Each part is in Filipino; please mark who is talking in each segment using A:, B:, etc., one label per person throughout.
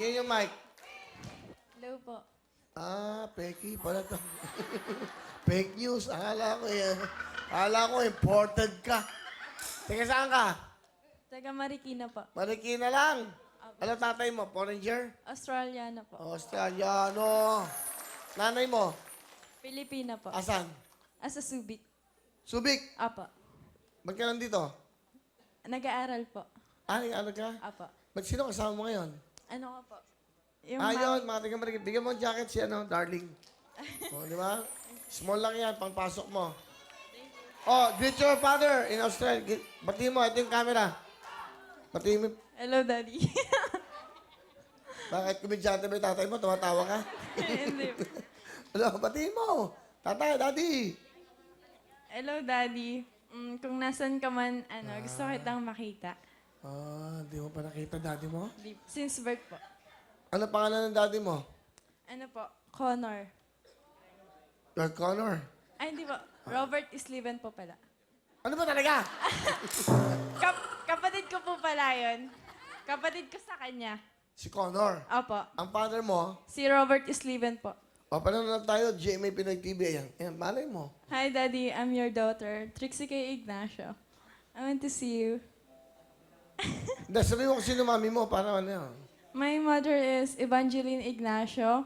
A: Tingin yung mic.
B: Hello po.
A: Ah, Peki pala to. Fake news. Akala ko imported ka. Tingin saan ka?
B: Taga Marikina po.
A: Marikina lang. Ano tatay mo? Foreigner?
B: Australiana po.
A: Australiano. Nanay mo?
B: Pilipina po.
A: Asan?
B: Asa Subic.
A: Subic.
B: Apa.
A: Ba't ka nandito?
B: Nag-aaral po.
A: Ah, ano ka?
B: Apa.
A: Ba't sino kasama mo ngayon?
B: Ano ka po? Yung
A: Ayun, mga taga Marikina. Bigyan mo ng jacket si darling. O, di ba? Small lang yan, pangpasok mo. Oh, greet your father in Australia. Batiin mo, ito yung camera. Batiin mo.
B: Hello, Daddy.
A: Bakit kumidyante ba yung tatay mo? Tumatawa ka?
B: Hindi po.
A: Ano, batiin mo. Tatay, daddy.
B: Hello, Daddy. Kung nasan ka man, gusto kitang makita.
A: Ah, di mo pa nakita daddy mo?
B: Since birth po.
A: Ano pangalan ng daddy mo?
B: Ano po? Connor.
A: Lord Connor.
B: Ay, hindi po. Robert Isliven po pala.
A: Ano ba talaga?
B: Kapatid ko po pala yun. Kapatid ko sa kanya.
A: Si Connor.
B: Opo.
A: Ang father mo,
B: Si Robert Isliven po.
A: o panonood tayo, GMA Pinoy TV. Ayan, ayan, malay mo.
B: Hi, Daddy. I'm your daughter, Trixie K. Ignacio. I want to see you.
A: Hindi, sabihin mo kung sino mami mo, para ano yan.
B: My mother is Evangeline Ignacio.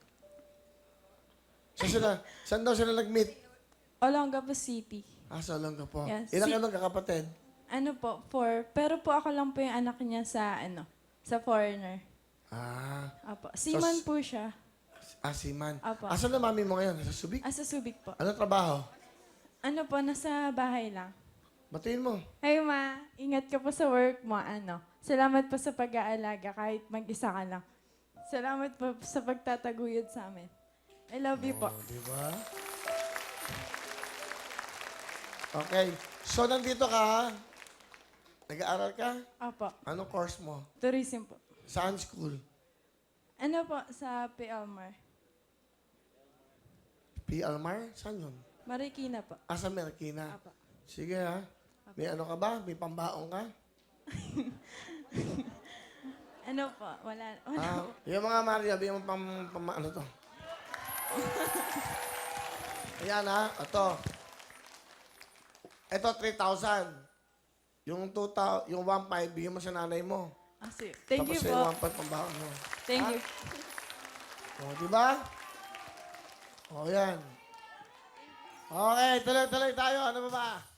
A: Saan daw sila nag-meet?
B: Olongapo City.
A: Ah, sa Olonga po.
B: Yes.
A: Ilan kayo magkakapatid?
B: Ano po? 4. Pero po ako lang po yung anak niya sa foreigner.
A: Ah,
B: Apo. Seaman po siya.
A: Siman.
B: Apo.
A: Asan na mami mo ngayon? Sa Subic?
B: Sa Subic po.
A: Ano trabaho?
B: Ano po? Nasa bahay lang.
A: Batiin mo.
B: Hey, Ma. Ingat ka po sa work mo. Salamat po sa pag-aalaga kahit mag-isa ka lang. Salamat po sa pagtataguyod sa amin. I love you po.
A: Oh, di ba? Okay. So, nandito ka. Nag-aaral ka?
B: Apo.
A: Anong course mo?
B: Tourism po.
A: Saan school?
B: Ano po? Sa P. Elmer.
A: P. Almar? Saan yun?
B: Marikina po.
A: Sa Marikina.
B: Apo.
A: Sige ha. May ano ka ba? May pambaong ka?
B: Ano po? Wala.
A: Yung mga Maria, bigyan mo ano to? Ayan ha. Ito, 3,000. Yung 2,000, yung 1,500, bigyan mo sa nanay mo.
B: Thank you
A: Tapos
B: po.
A: yung 1,500 pambaon mo.
B: Thank you.
A: O, di ba? O, yan. Okay, tuloy-tuloy tayo. Ano ba ba?